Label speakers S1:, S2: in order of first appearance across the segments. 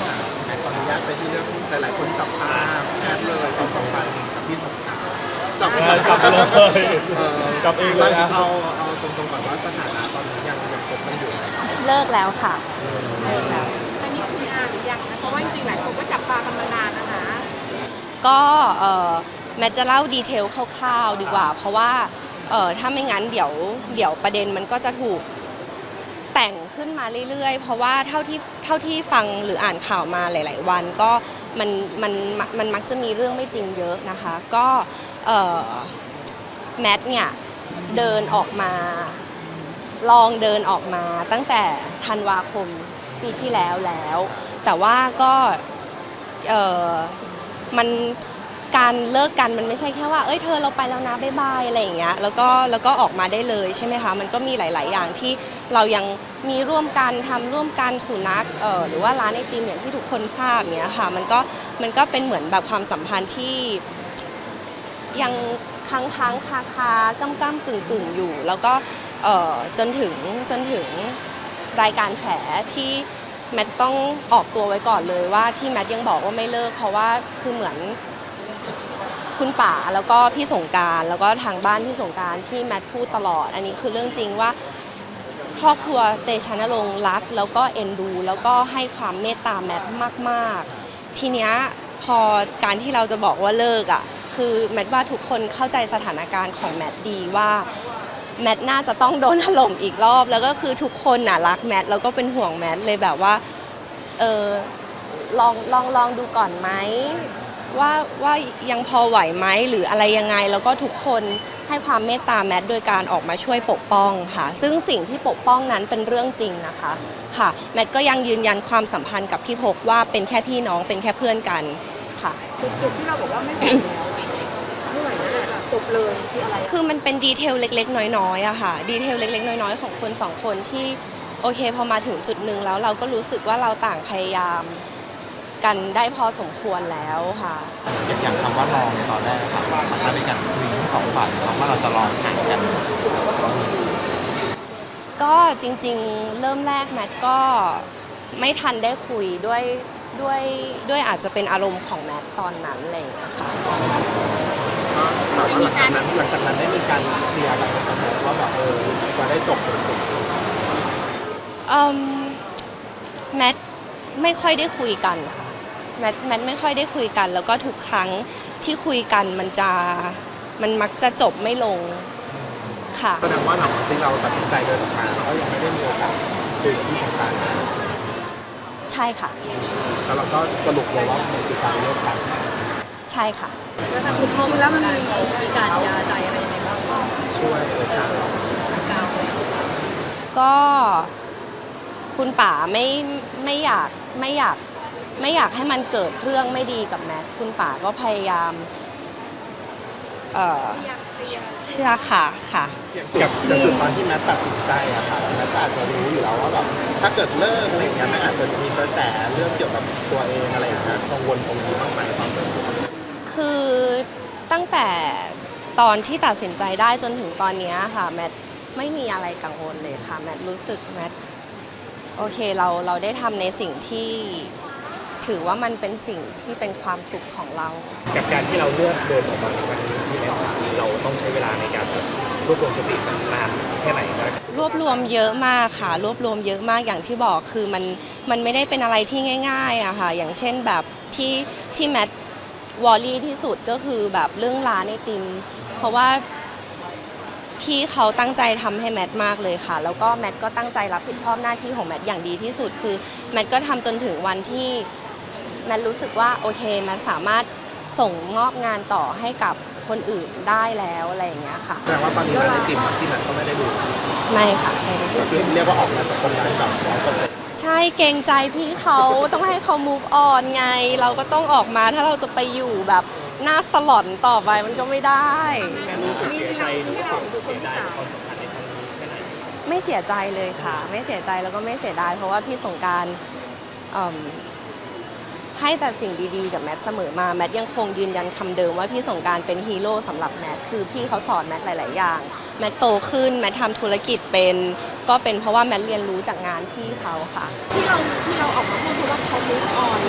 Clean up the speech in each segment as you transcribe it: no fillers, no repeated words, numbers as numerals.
S1: แม่ขออนุญาตไปที่เรื่องหลายๆคนจับตาแพทย์เลยความสัมพันธ์กับพี่สงกรานต์จับเลย
S2: จับเองเลยนะ
S1: เอาตรงๆก่อนว่าสถานะตอนนี้ยังคบกันอยู่ไหม
S3: เลิกแล้วค่ะเลิกแล้ว
S4: อันนี้คืองานหรือยังนะเพราะว่าจริงๆหลายคนก็จับตากันมานานแล้วนะ
S3: ก็แมทจะเล่าดีเทลคร่าวๆดีกว่า เพราะว่าถ้าไม่งั้นเดี๋ยวประเด็นมันก็จะถูกแต่งขึ้นมาเรื่อยๆเพราะว่าเท่าที่ฟังหรืออ่านข่าวมาหลายๆวันก็มันมักจะมีเรื่องไม่จริงเยอะนะคะก็แมทเนี่ยเดินออกมาลองเดินออกมาตั้งแต่ธันวาคมปีที่แล้วแต่ว่าก็มันการเลิกกันมันไม่ใช่แค่ว่าเอ้ยเธอเราไปแล้วนะบ๊ายบายอะไรอย่างเงี้ยแล้วก็ออกมาได้เลยใช่ไหมคะมันก็มีหลายๆอย่างที่เรายังมีร่วมกันทำร่วมกันสุนัขหรือว่าร้านไอติมอย่างที่ทุกคนทราบเนี้ยค่ะมันก็เป็นเหมือนแบบความสัมพันธ์ที่ยังค้างคาก้ำกึ่งอยู่แล้วก็จนถึงรายการแฉที่แมทต้องออกตัวไว้ก่อนเลยว่าที่แมทยังบอกว่าไม่เลิกเพราะว่าคือเหมือนคุณป๋าแล้วก็พี่สงกรานต์แล้วก็ทางบ้านพี่สงกรานต์ที่แมทพูดตลอดอันนี้คือเรื่องจริงว่าครอบครัวเตชะนรงค์รักแล้วก็เอ็นดูแล้วก็ให้ความเมตตาแมทมากๆทีเนี้ยพอการที่เราจะบอกว่าเลิกอ่ะคือแมทว่าทุกคนเข้าใจสถานการณ์ของแมทดีว่าแมทน่าจะต้องโดนถล่มอีกรอบแล้วก็คือทุกคนน่ะรักแมทแล้วก็เป็นห่วงแมทเลยแบบว่าลองดูก่อนไหมว่ายังพอไหวไหมหรืออะไรยังไงแล้วก็ทุกคนให้ความเมตตาแมทโดยการออกมาช่วยปกป้องค่ะซึ่งสิ่งที่ปกป้องนั้นเป็นเรื่องจริงนะคะค่ะแมทก็ยังยืนยันความสัมพันธ์กับพี่พกว่าเป็นแค่พี่น้องเป็นแค่เพื่อนกันค่ะ
S4: จุดที่เราบอกว่าไม่ไหวแล้วไม่ไหวแล้วแบบจบเลยคืออะไร
S3: คือมันเป็นดีเทลเล็กๆน้อยๆอะค่ะดีเทลเล็กๆน้อยๆของคนสองคนที่โอเคพอมาถึงจุดหนึ่งแล้วเราก็รู้สึกว่าเราต่างพยายามกันได้พอสมควรแล้วค่ะ
S2: อย่างคำว่าลองในตอนแรกครับมันถ้าเป็นการคุยทั้งสองฝ่ายเราว่าเราจะลองห่างกัน
S3: ก็จริงๆเริ่มแรกแมทก็ไม่ทันได้คุยด้วยอาจจะเป็นอารมณ์ของแมทตอนนั้นอะไรอย่างเงี้ยค่ะ
S1: หลังจากนั้นได้มีการเคลียร์กันว่าแบบจะได้จบสวย
S3: แมทไม่ค่อยได้คุยกันค่ะแมทไม่ค่อยได้คุยกันแล้วก็ทุกครั้งที่คุยกันมันมักจะจบไม่ลงค่ะ
S1: แสดงว่าหลังที่เราตัดสินใจเดินออกมาก็ยังไม่ได้มีโอกาสคุยกับพี่สงกรานต์
S3: ใช่ค่ะ
S1: แล้วเราก็สรุปเลยว่ามันคือการเลิกกัน
S3: ใช่ค่ะ
S4: แล้วทางคุณพ่อแล้วมันมีการยาใจอะไรยังไงบ้าง
S1: ช่วยกัน
S3: ก็คุณป๋าไม่อยากให้มันเกิดเรื่องไม่ดีกับแมทคุณป๋าก็พยายามเชื่อค่ะ
S1: กับจุดตอนที่แมทตัดสินใจอะค่ะแมทอาจจะรู้อยู่แล้วว่าแบบถ้าเกิดเลิกอะไรอย่างเงี้ยแมทอาจจะมีกระแสเรื่องเกี่ยวกับตัวเองอะไรอย่างเงี้ยกังวลตรงนี้บ้างไหมครับ
S3: คือตั้งแต่ตอนที่ตัดสินใจได้จนถึงตอนนี้ค่ะแมทไม่มีอะไรกังวลเลยค่ะแมทรู้สึกแมทโอเคเราได้ทำในสิ่งที่ถือว่ามันเป็นสิ่งที่เป็นความสุขของเรา
S2: กับการที่เราเลือกเดินออกมาในวันนี้ที่แล้วเราต้องใช้เวลาในการรวบรวมสติมันนานแค่ไหนครับ
S3: รวบรวมเยอะมากค่ะรวบรวมเยอะมากอย่างที่บอกคือมันไม่ได้เป็นอะไรที่ง่ายๆอะค่ะอย่างเช่นแบบที่แมทวอลลี่ที่สุดก็คือแบบเรื่องร้านไอติมเพราะว่าพี่เขาตั้งใจทำให้แมทมากเลยค่ะแล้วก็แมทก็ตั้งใจรับผิดชอบหน้าที่ของแมทอย่างดีที่สุดคือแมทก็ทำจนถึงวันที่แมทรู้สึกว่าโอเคแมทสามารถส่งมอบงานต่อให้กับคนอื่นได้แล้วอะไรอย่างเงี้ยค่ะ
S1: แสดงว่าตอนนี้ร้านไอติมที่แมทก็ไม่ได้ดู
S3: ไม่ค่ะไม่ได้ดู
S1: ก็คือเรียกว่าออกมาจากตรงนั้นแบบ100%
S3: ใช่เกรงใจพี่เขาต้องให้เขา move on ไงเราก็ต้องออกมาถ้าเราจะไปอยู่แบบหน้าสลอนต่อไปมันก็ไม่ได้
S2: แม่รู้สึกเสียใจหรือเสียดายกับความสัมพันธ์ในครั้งนี้แค่ไหน
S3: ไม่เสียใจเลยค่ะไม่เสียใจแล้วก็ไม่เสียดายเพราะว่าพี่สงกรานต์ให้แต่สิ่งดีๆกับแมทเสมอมาแมทยังคงยืนยันคำเดิมว่าพี่สงกรานต์เป็นฮีโร่สำหรับแมทคือพี่เขาสอนแมทหลายๆอย่างแมทโตขึ้นแมททำธุรกิจเป็นก็เป็นเพราะว่าแมทเรียนรู้จากงานพี่เขาค่ะ
S4: ที่เราออกมาพูดเพราะว่าเขา move on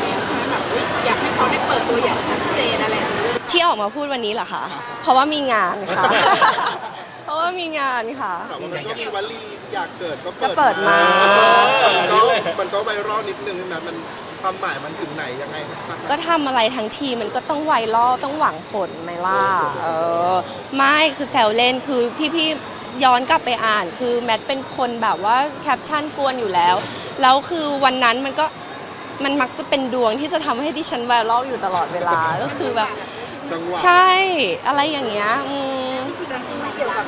S4: นอะไรอย่างเงี้ย
S3: ที่ออกมาพูดวันนี้เหรอคะเพราะว่ามีงานค่ะ เพราะว่ามีงานค่ะ
S1: แต่ว่ามันก็มีวลีอยากเกิดก็
S3: ก็เปิดมา
S1: มันก็ไวรัลนิดนึงนะมันความหมายมันถึงไหนยังไงครับ
S3: ก็ทำอะไรทั้งทีมันก็ต้องไวรัลต้องหวังผลไหมล่ะไม่คือแซวเล่นคือพี่ๆย้อนกลับไปอ่าน คือแมทเป็นคนแบบว่าแคปชั่นกวนอยู่แล้วแล้วคือวันนั้นมันมักจะเป็นดวงที่จะทำให้ดิฉันไวรัลอยู่ตลอดเวลาก็คือแบบ
S1: จังหวะ
S3: ใช่อะไรอย่างเงี้ย
S4: จริงๆไม่เกี่ยวกับ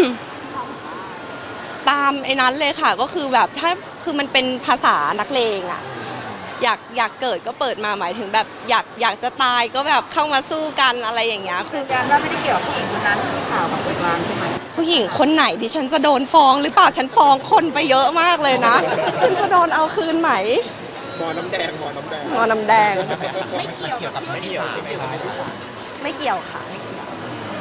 S3: ตามไอ้นั้นเลยค่ะก็คือแบบถ้าคือมันเป็นภาษานักเลงอะอยากเกิดก็เปิดมาหมายถึงแบบอยากจะตายก็แบบเข้ามาสู้กันอะไรอย่างเงี้ยคือ
S4: ยันว่าไม่ได้เกี่ยวกับผู้หญิงคนนั้นที่ข่าวกับคนกลางใช่ไหม
S3: ผู้หญิงคนไหนดิฉันจะโดนฟ้องหรือเปล่าฉันฟ้องคนไปเยอะมากเลยนะ ฉันจะโดนเอาคืนไหม
S1: หมอน้ำแดงหมอน้ำแดง
S3: งอน้ำแดง
S2: ไม่เกี่ยวกับไม่เกี่ยวใช่ไหมคะ
S3: ไม่เกี่ยวค่ะไม่เกี่ยว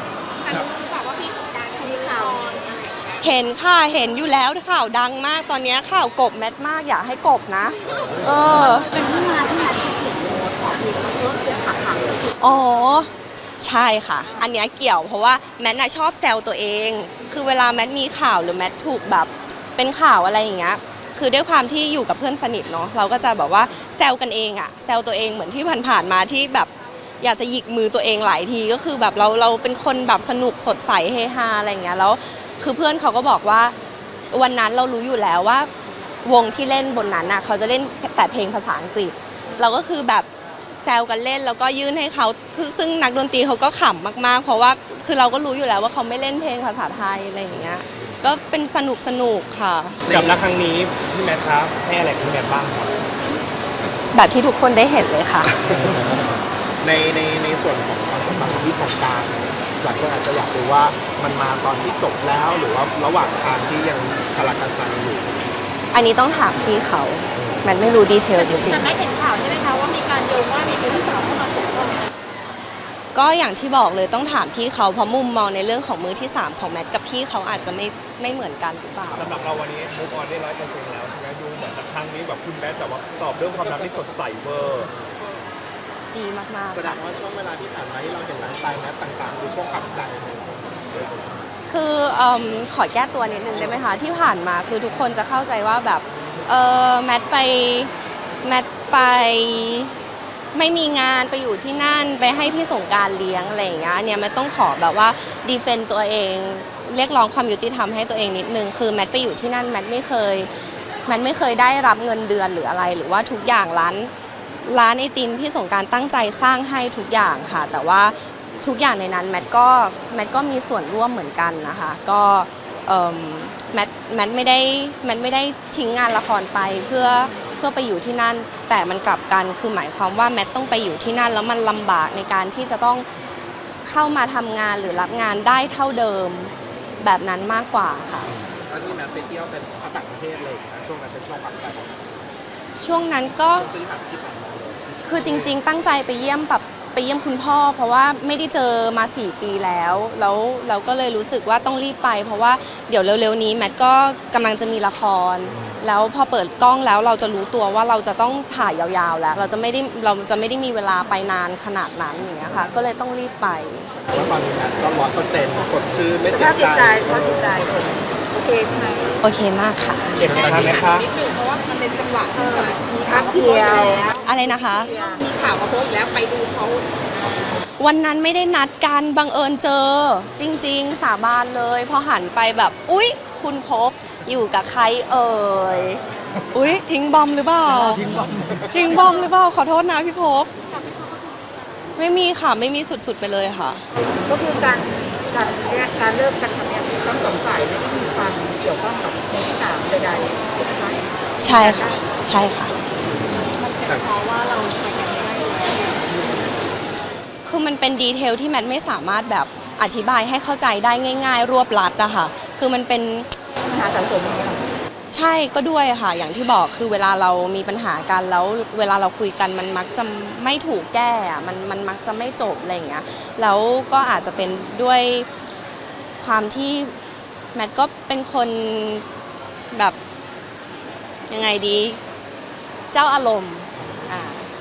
S4: มีข่าว
S3: เห็นค่ะเห็นอยู่แล้วข่าวดังมากตอนนี้ข่าวกบแมทมากอยากให้กบนะ
S4: เป็นที่มาที่มาที่เขียนโน้ตของพี่เขาเพิ่มเสียขาขา
S3: อ๋อใช่ค่ะ อันเนี้ยเกี่ยวเพราะว่าแมทน่ะชอบแซวตัวเอง คือเวลาแมทมีข่าวหรือแมทถูกแบบเป็นข่าวอะไรอย่างเงี้ยคือด้วยความที่อยู่กับเพื่อนสนิทเนาะเราก็จะแบบว่าแซวกันเองอะแซวตัวเองเหมือนที่ผ่านๆมาที่แบบอยากจะหยิกมือตัวเองหลายทีก็คือแบบเราเป็นคนแบบสนุกสดใสเฮฮาอะไรอย่างเงี้ยแล้วคือเพื่อนเขาก็บอกว่าวันนั้นเรารู้อยู่แล้วว่าวงที่เล่นบนนั้นน่ะเขาจะเล่นแต่เพลงภาษาอังกฤษเราก็คือแบบแซวกันเล่นแล้วก็ยื่นให้เขาคือซึ่งนักดนตรีเขาก็ขำมากๆเพราะว่าคือเราก็รู้อยู่แล้วว่าเขาไม่เล่นเพลงภาษาไทยอะไรอย่างเงี้ยก็เป็นสนุกค่ะ
S2: กับรักครั้งนี้พี่แมทครับให้อะไรพี่แมทบ้างครับ
S3: แบบที่ทุกคนได้เห็นเลยค่ะ
S1: ในส่วนของความสัมพันธ์ของที่สงกรารหลายคนอาจจะอยากรู้ว่ามันมาตอนที่จบแล้วหรือว่าระหว่างทางที่ยังคาราคาซังอยู่
S3: อันนี้ต้องถามพี่เขามันไม่รู้ดีเทลจริง
S4: แต่ไม่เห็นข่าวใช่ไหมคะว่ามีการโยงว่ามีคนที่สาวเข้ามาปกป้อง
S3: ๆก็อย่างที่บอกเลยต้องถามพี่เขาเพราะมุมมองในเรื่องของมือที่ 3 ของแมทกับพี่เขาอาจจะไม่เหมือนกันหรือเปล่า
S2: สำหรับเราวันนี้มูฟออนได้100%แล้วใช่ไหมดูเหมือนกับครั้งนี้แบบคุณแมทแบบว่าตอบเรื่องความรักที่สดใสเวอร์
S3: ดีมาก
S1: แสดงว่าช่วงเวลาที่ผ่านมาที่เราเห็นไลฟ์สไตล์แมทต่างๆคือช่วงปรับใจเลย
S3: ๆคือขอแก้ตัวนิดนึงได้ไหมคะที่ผ่านมาคือทุกคนจะเข้าใจว่าแบบแมทไปไม่มีงานไปอยู่ที่นั่นไปให้พี่สงกรานต์เลี้ยงอะไรอย่างเงี้ยเนี่ยแมทต้องขอแบบว่าดีเฟนต์ตัวเองเรียกร้องความยุติธรรมให้ตัวเองนิดนึงคือแมทไปอยู่ที่นั่นแมทไม่เคยได้รับเงินเดือนหรืออะไรหรือว่าทุกอย่างร้านไอติมพี่สงกรานต์ตั้งใจสร้างให้ทุกอย่างค่ะแต่ว่าทุกอย่างในนั้นแมทก็มีส่วนร่วมเหมือนกันนะคะก็แมทไม่ได้ทิ้งงานละครไปเพื่อไปอยู่ที่นั่นแต่มันกลับกันคือหมายความว่าแมทต้องไปอยู่ที่นั่นแล้วมันลำบากในการที่จะต้องเข้ามาทำงานหรือรับงานได้เท่าเดิมแบบนั้นมากกว่าค่ะ
S1: ตอนที่แมทไปเที่ยวเป็นต่างประเทศเลยนะช่วงนั้นเป็นช่วงปรับใจของแมท
S3: ช่วงนั้นก็
S1: ช่วงที่ผ่านมาเลย
S3: คือจริงๆตั้งใจไปเยี่ยมคุณพ่อเพราะว่าไม่ได้เจอมา4 ปีแล้วเราก็เลยรู้สึกว่าต้องรีบไปเพราะว่าเดี๋ยวเร็วๆนี้แมทก็กำลังจะมีละครแล้วพอเปิดกล้องแล้วเราจะรู้ตัวว่าเราจะต้องถ่ายยาวๆแล้วเราจะไม่ได้มีเวลาไปนานขนาดนั้นอย่างเงี้ยค่ะก็เลยต้องรีบไป
S1: ว่าตอนนี้แมทก็100%สดชื่นไม่
S4: ส
S1: เสี
S4: ภาย พจิต
S1: ใจ
S4: ใจสภาพจิตใจโอเคใช่ไหม
S3: โอเคมากค่ะ
S2: เก็บนะคะแมทคะ
S4: นิดนึงเพราะว่ามันเป็นจังหวะที่แบบมีข่าวมาโพสต์แล้ว
S3: อะไรนะคะ
S4: มีข่าวมาโพสต์แล้วไปดูเขา
S3: วันนั้นไม่ได้นัดกันบังเอิญเจอจริงๆสาบานเลยพอหันไปแบบอุ๊ยคุณพบอยู่กับใครเอ่ยอุ๊ยทิ้งบอมหรือเปล่าทิ้งบอมหรือเปล่าขอโทษนะพี่พบไม่มีค่ะไม่มีสุดๆไปเลยค่ะ
S4: ก็คือการเลิกกันครั้งนี้ทั้งสองฝ่ายไม่ได้มีความเกี่ยวข้องกับคนที่สามใดๆใช่ไหมคะ
S3: ใช่ค่ะใช่ค่ะ
S4: เพราะว่าเราไปกันไม่ได้อยู่แล้ว
S3: คือมันเป็นดีเทลที่แมทไม่สามารถแบบอธิบายให้เข้าใจได้ง่ายๆ รวบลัดอะค่ะคือมันเป็น
S4: ปัญหาสะสมอย่างเงี้ย
S3: ใช่ก็ด้วยค่ะอย่างที่บอกคือเวลาเรามีปัญหากันแล้วเวลาเราคุยกันมันมักจะไม่ถูกแก้อะมันมักจะไม่จบอะไรอย่างเงี้ยแล้วก็อาจจะเป็นด้วยความที่แมทก็เป็นคนแบบยังไงดีเจ้าอารมณ์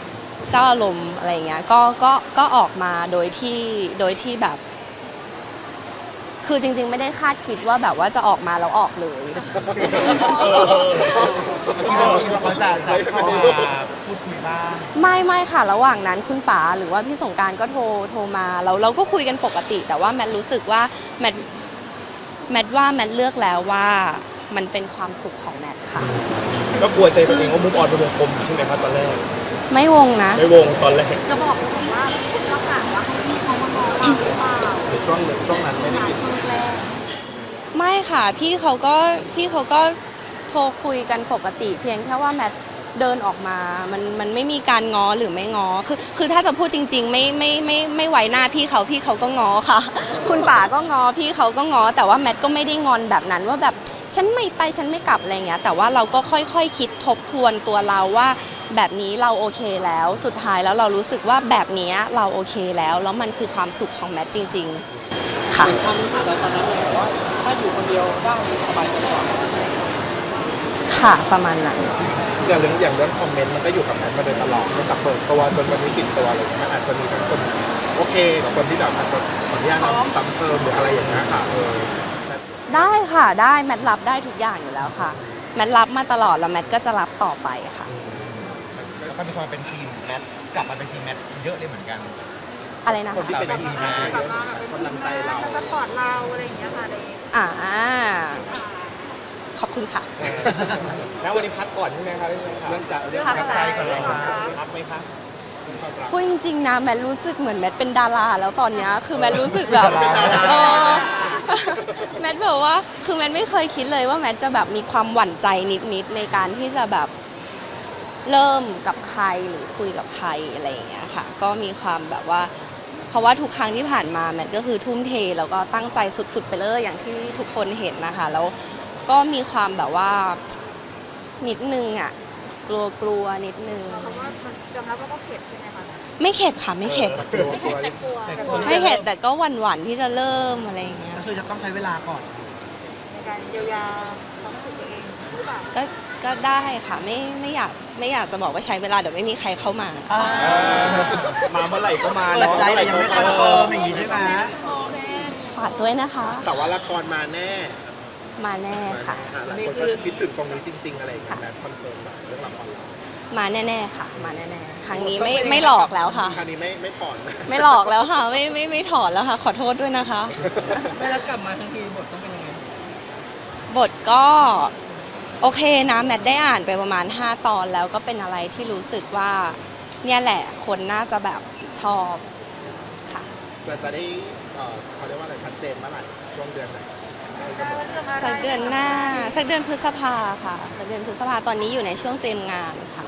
S3: เจ้าอารมณ์อะไรเงี้ยก็ออกมาโดยที่แบบ คือจริงๆไม่ได้คาดคิดว่าแบบว่าจะออกมาแล้วออกเลย
S2: ที่เราคิดว่าเขาจะเข้ามาพูดคุยบ้าง
S3: ไม่ค่ะระหว่างนั้นคุณป๋าหรือว่าพี่สงกรานต์ก็โทรมาเราก็คุยกันปกติ แต่ว่าแมทรู้สึกว่าแมทเลือกแล้วว่ามันเป็นความสุขของแมทค่ะ
S2: ก็กลัวใจตัวเองว่ามุกออนเป็นวงกลมใช่ไหมครับตอนแรก
S3: ไม่วงนะ
S2: ไม่วงตอนแรก
S4: จะบอกว่าลักษณะว่าให้พี่เขามาบอกเราหรือเปล่า
S1: ในช่วงนั้นไม่ได้กิน
S4: ช่วงแรก ไม่
S3: ไม่ค่ะพี่เขาก็โทรคุยกันปกติ เพียงแค่ว่าแมทเดินออกมามันไม่มีการง้อหรือไม่ง้อคือถ้าจะพูดจริงๆไม่ไว้หน้าพี่เขาก็ง้อค่ะ คุณป๋าก็ง้อพี่เขาก็ง้อแต่ว่าแมทก็ไม่ได้งอนแบบนั้นว่าแบบฉันไม่ไปฉันไม่กลับอะไรเงี้ยแต่ว่าเราก็ค่อยๆคิดทบทวนตัวเราว่าแบบนี้เราโอเคแล้วสุดท้ายแล้วเรารู้สึกว่าแบบนี้เราโอเคแล้วมันคือความสุขของแมทจริงๆค่ะ
S5: ความรู้สึกเราตอนนั้นเลยว่าถ้าอยู่คนเดียวได้สบายใจกว่า
S3: ค่ะประมาณนั้น
S1: อย่างเรื่องคอมเมนต์มันก็อยู่กับแมทมาโดยตลอดตั้งแต่เปิดตัวจนวันนี้ติดตัวอะไรอย่างเงี้ยมันอาจจะมีทั้งคนโอเคกับคนที่แบบอาจจะขออนุญาตซ้ำเติมหรืออะไรอย่างเงี้ยค่ะ
S3: ได้ค่ะได้แมทรับได้ทุกอย่างอยู่แล้วค่ะแมทรับมาตลอดแล้วแมทก็จะรับต่อไปค่ะ
S2: แล้วก็มีความเป็นทีมแมทกลับมาเป็นทีมแมทเยอะเลยเหมือนกัน
S3: อะไรนะ
S1: คนที่
S3: คะ
S1: เป็นทีมงาน
S4: กลับมาแบบเป็น
S1: กำลังใจเรา
S4: สปอร์ตเราอะไรอย่างเงี้ยค่ะใน
S3: ขอบคุณค่ะ
S2: แล้ววันนี้พักก่อนใช่ไหมครับพี่แมทครับ
S1: เรื่องจะเรื่อง
S3: พัก
S1: กำลังใจก่อนเลยครับ
S2: พักไหมครับ
S3: พูดจริงๆนะแมทรู้สึกเหมือนแมทเป็นดาราแล้วตอนเนี้ยคือแมทรู้สึกแบบ
S1: เป็นดารา
S3: เออแมทแบบว่าคือแมทไม่เคยคิดเลยว่าแมทจะแบบมีความหวั่นใจนิดๆในการที่จะแบบเริ่มกับใครหรือคุยกับใครอะไรอย่างเงี้ยค่ะก็มีความแบบว่า เพราะว่าทุกครั้งที่ผ่านมาแมทก็คือทุ่มเทแล้วก็ตั้งใจสุดๆไปเลยอย่างที่ทุกคนเห็นนะคะแล้วก็มีความแบบว่านิดนึงอ่ะกลัวนิดนึง
S4: เพราะว่ามันยอมรับว่าก็เข็ดใช่ไหมคะ
S3: ไม่เข็ดค่ะไม่เข็ด
S4: ไม่เข็ดแต่กลัวแต่กลัว
S3: ไม่เข็ดแต่ก็หวั่นๆที่จะเริ่มอะไรอย่างเงี้ย
S5: ก็คือจะต้องใช้เวลาก่อน
S4: ในการเยียวยาความรู้สึกตัวเองหรือเปล่า
S3: ก็ได้ค่ะไม่อยากจะบอกว่าใช้เวลาเดี๋ยวไม่มีใครเข้ามา
S1: มาเมื่อไหร่ก็มา
S5: เปิด
S1: เนาะ
S5: ใจแต่ยังไม่คอนเฟิร์มอย่างนี้ใช่ไหม
S3: ฝากด้วยนะคะ
S1: แต่ว่าละครมาแน่
S3: มาแน่ค่ะ
S1: หลายคนก็จะคิดถึงตรงนี้จริง ๆ อะไรอย่างเงี้ยแมทคอนเฟิร์มแบบเรื่องละครเรา
S3: มาแน่ๆค่ะ มาแน่ๆครั้งนี้ไม่หลอกแล้วค่ะ
S1: คราวนี้ไม่ถอน
S3: ไม่หลอกแล้วค่ะไม่ถอนแล้วค่ะ ขอโทษด้วยนะคะ
S5: ไม่แล้วกลับมาทั้งทีบทต้องเป็นยังไง
S3: บทก็โอเคนะแมทได้อ่านไปประมาณ5 ตอนแล้วก็เป็นอะไรที่รู้สึกว่าเนี่ยแหละคนน่าจะแบบชอบค่ะ
S1: เราจะได้เขาเรียกว่าอะไรชัดเจนเมื่อไหร่ช่วงเดือนไหน
S3: สักเดือนหน้าสักเดือนพฤษภาค่ะสักเดือนพฤษภาตอนนี้อยู่ในช่วงเตรียมงานค่ะ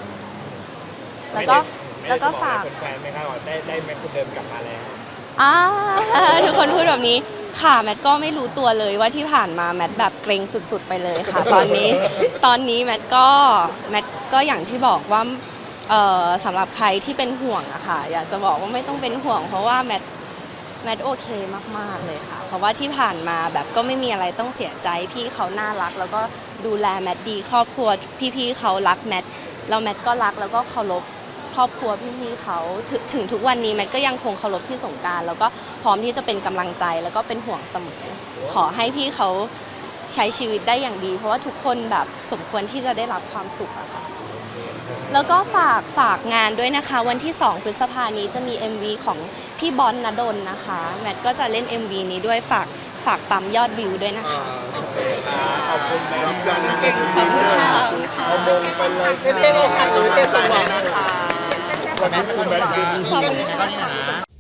S3: แล้วก็ฝาก
S2: แฟนๆไหมครับว่าได้แมทคนเดิมกลับมาแล้ว
S3: ทุกคนพูดแบบนี้ค่ะแมทก็ไม่รู้ตัวเลยว่าที่ผ่านมาแมทแบบเกรงสุดๆไปเลยค่ะ ตอนนี้แมทก็อย่างที่บอกว่าสำหรับใครที่เป็นห่วงอะค่ะอยากจะบอกว่าไม่ต้องเป็นห่วง เพราะว่าแมทโอเคมากๆเลยค่ะ เพราะว่าที่ผ่านมาแบบก็ไม่มีอะไรต้องเสียใจพี่เขาน่ารัก แล้วก็ดูแลแมทดีครอบครัวพี่ๆเขารักแมทแล้วแมทก็รักแล้วก็เคารพครอบครัวพี่ๆเขาถึงทุกวันนี้แมทก็ยังคงเคารพพี่สงกรานต์แล้วก็พร้อมที่จะเป็นกำลังใจแล้วก็เป็นห่วงเสมอขอให้พี่เขาใช้ชีวิตได้อย่างดี เพราะว่าทุกคนแบบสมควรที่จะได้รับความสุขอะค่ะแล้วก็ฝากงานด้วยนะคะวันที่2 พฤษภานี้จะมี MV ของพี่บอลณดลนะคะแมทก็จะเล่น MV นี้ด้วยฝากปั๊มยอดวิวด้วยนะคะ
S1: ขอบคุณรับยอดนักเก่ง
S3: ขอบคุณค่ะ
S1: เอามงไปเลย
S5: ไม่ได้โอกาส
S1: กำลังใจให้นะคะ
S2: วันนี้คุณแมท
S3: ขอบคุณค่ะ